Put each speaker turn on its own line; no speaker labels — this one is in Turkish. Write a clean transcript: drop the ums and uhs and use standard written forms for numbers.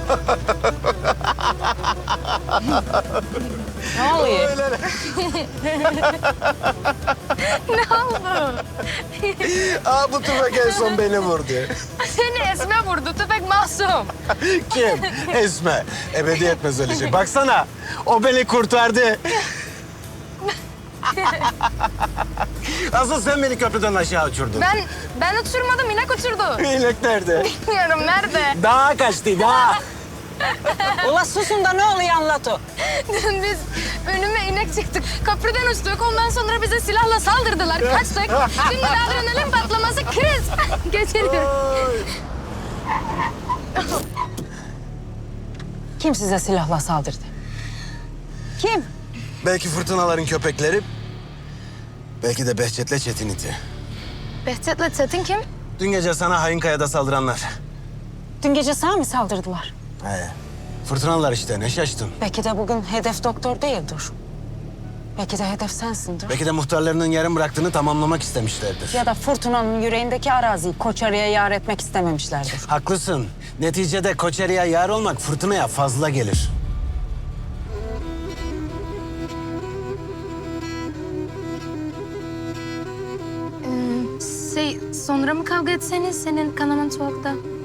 Ne oluyor?
Ne oldu?
Aa, bu tüfek en son beni vurdu.
Seni Esme vurdu. Tüfek masum.
Kim? Esme. Ebediyet mezarlıcı. Baksana, o beni kurtardı. Asıl sen beni köprüden aşağı uçurdun.
Ben uçurmadım. İnek uçurdu.
İnek nerede?
Bilmiyorum nerede.
Dağa kaçtı, dağa.
Ula susun da ne oluyor anlat o.
Biz önüme inek çıktık. Köprüden uçtuk. Ondan sonra bize silahla saldırdılar. Kaçtık. Şimdi adrenalin patlaması kriz geçiriyor.
Kim size silahla saldırdı? Kim?
Belki fırtınaların köpekleri, belki de Behçet'le Çetin iti.
Behçet'le Çetin kim?
Dün gece sana Hayınkaya'da saldıranlar.
Dün gece sana mı saldırdılar?
He. Fırtınalar işte, ne şaştın?
Belki de bugün hedef doktor değildir. Belki de hedef sensindir.
Belki de muhtarlarının yarım bıraktığını tamamlamak istemişlerdir.
Ya da fırtınanın yüreğindeki araziyi Koçarı'ya yar etmek istememişlerdir.
Haklısın. Neticede Koçeri'ye yar olmak fırtınaya fazla gelir.
Sonra mı kavga etseniz senin kanaman soğukta?